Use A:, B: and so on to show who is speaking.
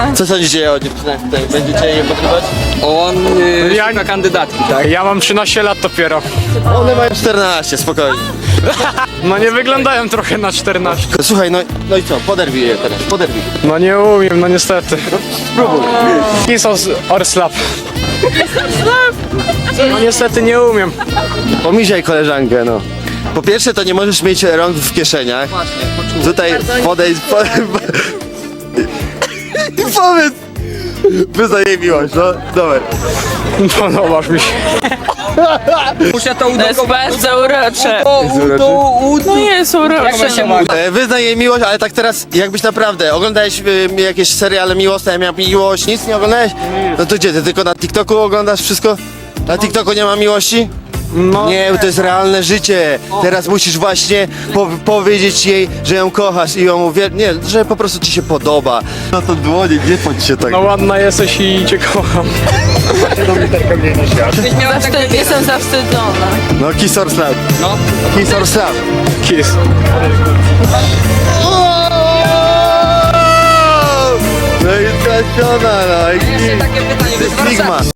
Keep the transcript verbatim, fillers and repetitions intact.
A: Co sądzicie o dziewczynach tutaj? Będziecie je podrywać?
B: On yy,
C: Ja-
B: szuka kandydatki, tak?
C: Ja mam trzynaście lat dopiero.
A: One mają czternaście, spokojnie.
C: No nie wyglądają trochę na czternaście.
A: Słuchaj, no, no i co? Poderwij je teraz, poderwij.
C: No nie umiem, no niestety.
A: Spróbuj.
C: Kiss or, or slap. No niestety nie umiem.
A: Pomisiaj koleżankę, no. Po pierwsze, to nie możesz mieć rąk w kieszeniach. Tutaj podejdź, po... i powiedz. Wyznaję miłość, no. Dobra.
C: Podobasz mi się.
B: Muszę to
D: To jest
B: udowodnić.
D: bardzo urocze.
B: To ud...
D: No jest urocze.
B: Jak się mówi?
A: E, Wyznaj jej miłość, ale tak teraz, jakbyś naprawdę oglądałeś y, jakieś seriale miłosne, ja miałem miłość, nic nie oglądałeś? No to gdzie, ty tylko na TikToku oglądasz wszystko? Na TikToku nie ma miłości?
C: No,
A: Nie, to jest realne życie. Teraz musisz właśnie po powiedzieć jej, że ją kochasz i ją uwiel... Nie, że po prostu ci się podoba. No to dłonie, nie bądź się tak.
C: no ładna jesteś i cię kocham.
D: Zawstyd, jestem zawstydzona.
A: No kiss or slap.
B: No.
A: Kiss or slap.
C: Kiss.
A: No i trafiona, no i...
B: Takie pytanie, wy z
A: Stigma.
B: Warszawy.